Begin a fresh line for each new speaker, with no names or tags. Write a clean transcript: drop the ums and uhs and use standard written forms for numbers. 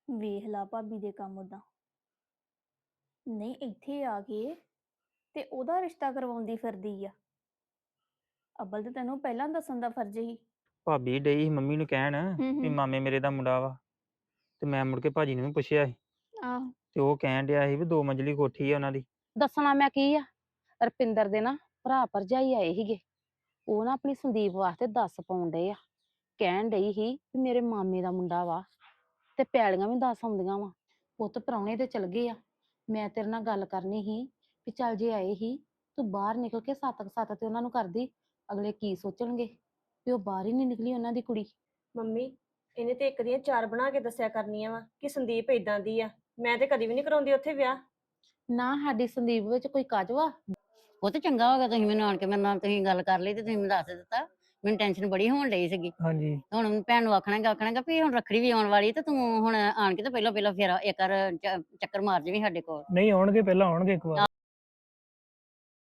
ਵੇਖ ਲਾ ਭਾਬੀ ਦੇ ਕੰਮ ਉਦਾਂ ਨਹੀਂ ਇੱਥੇ ਆ ਕੇ ਤੇ ਉਹਦਾ ਰਿਸ਼ਤਾ ਕਰਵਾਉਂਦੀ ਫਿਰਦੀ ਆ। ਅੱਬਲ ਤੇ ਤੈਨੂੰ ਪਹਿਲਾਂ ਦੱਸਣ ਦਾ ਫਰਜ਼ ਹੀ।
ਭਾਬੀ ਡਈ ਸੀ ਮੰਮੀ ਨੂੰ ਕਹਿਣ ਵੀ
ਹੂੰ
ਮਾਮੇ ਮੇਰੇ ਦਾ ਮੁੰਡਾ ਵਾ। ਤੇ ਮੈਂ ਮੁੜ ਕੇ ਭਾਜੀ ਨੂੰ ਵੀ ਪੁੱਛਿਆ ਸੀ
ਆਹ
ਤੇ ਉਹ ਕਹਿਣ ਡਿਆ ਸੀ ਵੀ 2 ਮੰਜ਼ਲੀ ਕੋਠੀ ਆ ਉਹਨਾਂ ਦੀ।
ਦੱਸਣਾ ਮੈਂ ਕੀ ਆ। ਰਪਿੰਦਰ ਦੇ ਨਾ ਭਰਾ ਭਰਜਾਈ ਆਏ ਸੀਗੇ। ਉਹ ਨਾ ਆਪਣੀ ਸੰਦੀਪ ਵਾਸਤੇ ਦੱਸ ਪਾਉਣ ਡਏ ਆ। ਕਹਿਣ ਡਈ ਸੀ ਵੀ ਮੇਰੇ ਮਾਮੇ ਦਾ ਮੁੰਡਾ ਵਾ ਤੇ ਪੈਲੀਆਂ ਵੀ ਦੱਸ ਆਉਂਦੀਆਂ ਵਾ। ਪੁੱਤ ਪ੍ਰਾਹੁਣੇ ਤੇ ਚਲ ਗਏ ਆ। ਮੈਂ ਤੇਰੇ ਨਾਲ ਗੱਲ ਕਰਨੀ ਸੀ ਵੀ ਚੱਲ ਜੇ ਆਏ ਸੀ ਤੂੰ ਬਾਹਰ ਨਿਕਲ ਕੇ ਸੱਤ ਤੇ ਉਹਨਾਂ ਨੂੰ ਕਰਦੀ। ਅਗਲੇ ਕੀ ਸੋਚਣਗੇ ਵੀ ਉਹ ਬਾਹਰ ਹੀ ਨਹੀਂ ਨਿਕਲੀ ਉਹਨਾਂ ਦੀ ਕੁੜੀ।
ਮੰਮੀ ਇਹਨੇ ਤੇ ਇੱਕ ਦੀਆਂ ਚਾਰ ਬਣਾ ਕੇ ਦੱਸਿਆ ਕਰਨੀਆਂ ਵਾ ਕਿ ਸੰਦੀਪ ਇਦਾਂ ਦੀ ਆ। ਮੈਂ ਤੇ ਕਦੀ ਵੀ ਨਹੀਂ ਕਰਾਉਂਦੀ ਉੱਥੇ ਵਿਆਹ।
ਨਾ ਸਾਡੀ ਸੰਦੀਪ ਵਿੱਚ ਕੋਈ ਕਾਜਵਾ।
ਉਹ ਤੇ ਚੰਗਾ ਹੋ ਗਿਆ ਤੁਸੀਂ ਮੈਨੂੰ ਆਣ ਕੇ ਮੇਰੇ ਨਾਲ ਤੁਸੀਂ ਗੱਲ ਕਰ ਲਈ ਤੇ ਤੁਸੀਂ ਮੈਨੂੰ ਦੱਸ ਦਿੱਤਾ। ਮੈਨੂੰ ਟੈਨਸ਼ਨ ਬੜੀ ਹੋਣ ਡਈ ਸੀਗੀ।
ਹਾਂਜੀ
ਹੁਣ ਭੈਣ ਨੂੰ ਆਖਣਾਗਾ ਵੀ ਹੁਣ ਰੱਖੜੀ ਵੀ ਆਉਣ ਵਾਲੀ ਤੇ ਤੂੰ ਹੁਣ ਆਣ ਕੇ ਤੇ ਪਹਿਲਾਂ ਫੇਰ ਇੱਕ ਵਾਰ ਚੱਕਰ ਮਾਰ ਜਾਵੀਂ ਸਾਡੇ ਕੋਲ।
ਨਹੀਂ ਆਉਣਗੇ ਪਹਿਲਾਂ ਆਉਣਗੇ ਇੱਕ ਵਾਰ।